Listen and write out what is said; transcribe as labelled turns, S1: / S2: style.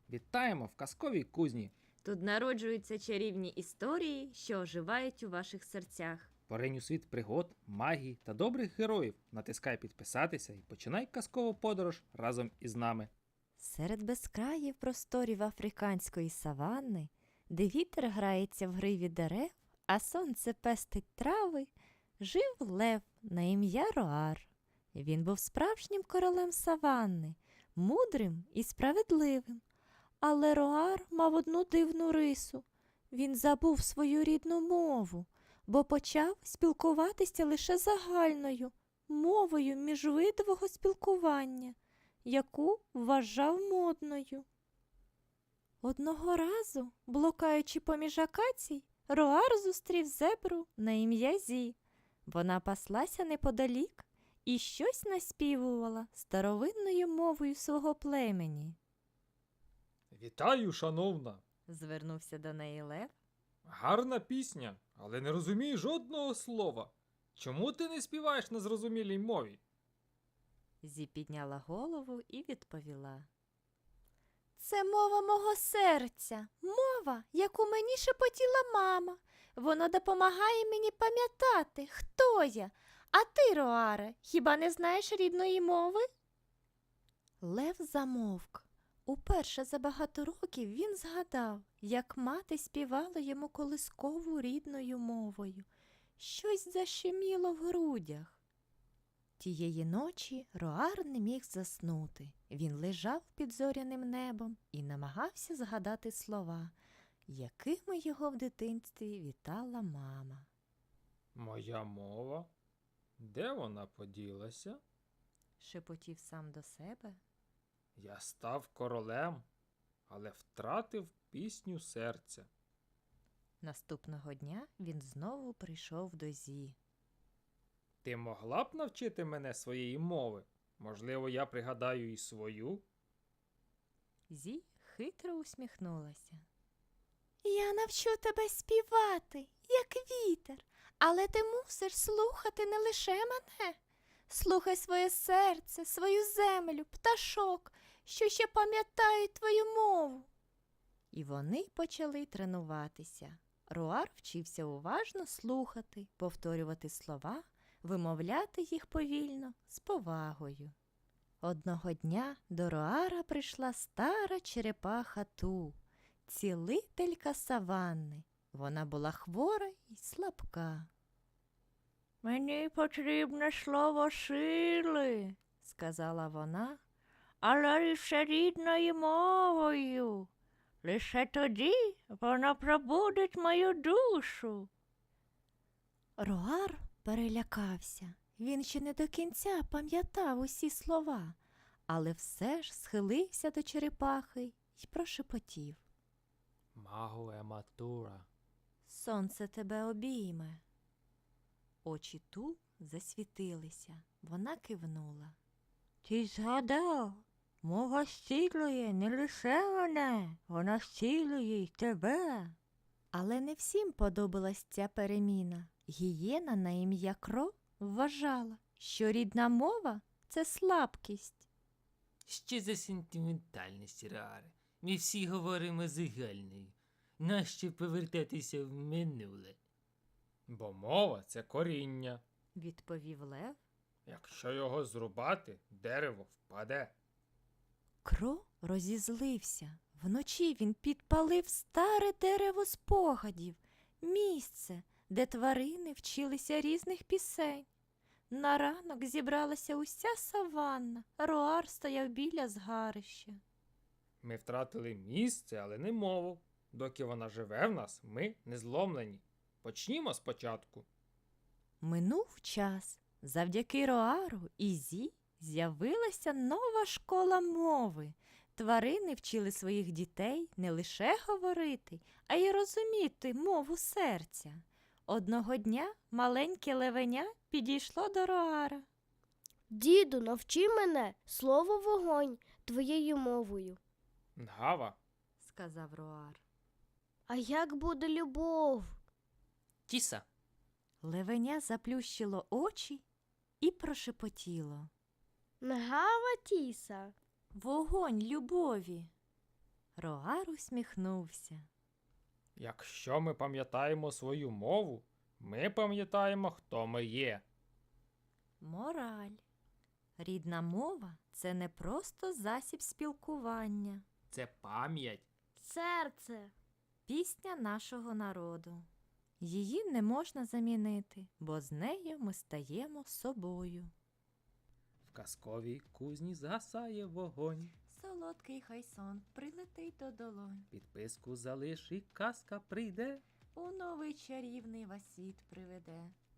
S1: Вітаємо в казковій кузні.
S2: Тут народжуються чарівні історії, що оживають у ваших серцях.
S1: Поринь у світ пригод, магії та добрих героїв. Натискай підписатися і починай казкову подорож разом із нами.
S2: Серед безкраїв просторів африканської саванни, де вітер грається в гриві дерев, а сонце пестить трави, жив лев на ім'я Роар. Він був справжнім королем саванни, мудрим і справедливим. Але Роар мав одну дивну рису. Він забув свою рідну мову, бо почав спілкуватися лише загальною мовою міжвидового спілкування, яку вважав модною. Одного разу, блукаючи поміж акацій, Роар зустрів зебру на ім'я Зі. Вона паслася неподалік і щось наспівувала старовинною мовою свого племені.
S3: Вітаю, шановна!
S2: Звернувся до неї лев.
S3: Гарна пісня, але не розумію жодного слова. Чому ти не співаєш на зрозумілій мові?
S2: Зі підняла голову і відповіла. Це мова мого серця, мова, яку мені шепотіла мама. Вона допомагає мені пам'ятати, хто я. А ти, Роаре, хіба не знаєш рідної мови? Лев замовк. Уперше за багато років він згадав, як мати співала йому колискову рідною мовою. Щось защеміло в грудях. Тієї ночі Роар не міг заснути. Він лежав під зоряним небом і намагався згадати слова, якими його в дитинстві вітала мама.
S3: Моя мова? Де вона поділася?
S2: Шепотів сам до себе.
S3: Я став королем, але втратив пісню серця.
S2: Наступного дня він знову прийшов до Зі.
S3: Ти могла б навчити мене своєї мови? Можливо, я пригадаю і свою?
S2: Зі хитро усміхнулася. Я навчу тебе співати, як вітер, але ти мусиш слухати не лише мене. Слухай своє серце, свою землю, пташок, що ще пам'ятають твою мову. І вони почали тренуватися. Роар вчився уважно слухати, повторювати слова, вимовляти їх повільно, з повагою. Одного дня до Роара прийшла стара черепаха Ту, цілителька саванни. Вона була хвора і слабка. «Мені потрібне слово сили», – сказала вона, – «але лише рідною мовою. Лише тоді вона пробудить мою душу». Роар перелякався. Він ще не до кінця пам'ятав усі слова, але все ж схилився до черепахи й прошепотів.
S3: Магу ематура.
S2: «Сонце тебе обійме». Очі Ту засвітилися. Вона кивнула. «Ти згадав, мова зцілює не лише мене, вона зцілює й тебе». Але не всім подобалась ця переміна. Гієна на ім'я Кро вважала, що рідна мова – це слабкість.
S4: Що за сентиментальність, Роаре? Ми всі говоримо загальною. Нащо повертатися в минуле?
S3: Бо мова – це коріння.
S2: Відповів лев.
S3: Якщо його зрубати, дерево впаде.
S2: Кро розізлився. Вночі він підпалив старе дерево спогадів, місце, де тварини вчилися різних пісень. На ранок зібралася уся саванна, Роар стояв біля згарища.
S3: Ми втратили місце, але не мову. Доки вона живе в нас, ми не зломлені. Почнімо спочатку.
S2: Минув час. Завдяки Роару і Зі з'явилася нова школа мови. Тварини вчили своїх дітей не лише говорити, а й розуміти мову серця. Одного дня маленьке левеня підійшло до Роара.
S5: Діду, навчи мене слово вогонь твоєю мовою.
S3: Нгава.
S2: – сказав Роар.
S5: А як буде любов?
S4: Тіса.
S2: Левеня заплющило очі і прошепотіло.
S5: Нгава тіса.
S2: Вогонь любові. Роар усміхнувся.
S3: Якщо ми пам'ятаємо свою мову, ми пам'ятаємо, хто ми є.
S2: Мораль. Рідна мова – це не просто засіб спілкування.
S3: Це пам'ять.
S5: Серце.
S2: Пісня нашого народу. Її не можна замінити, бо з нею ми стаємо собою.
S1: В казковій кузні згасає вогонь.
S2: Солодкий хай сон прилетить до долонь.
S1: Підписку залиш і казка прийде.
S2: У новий чарівний вас світ приведе.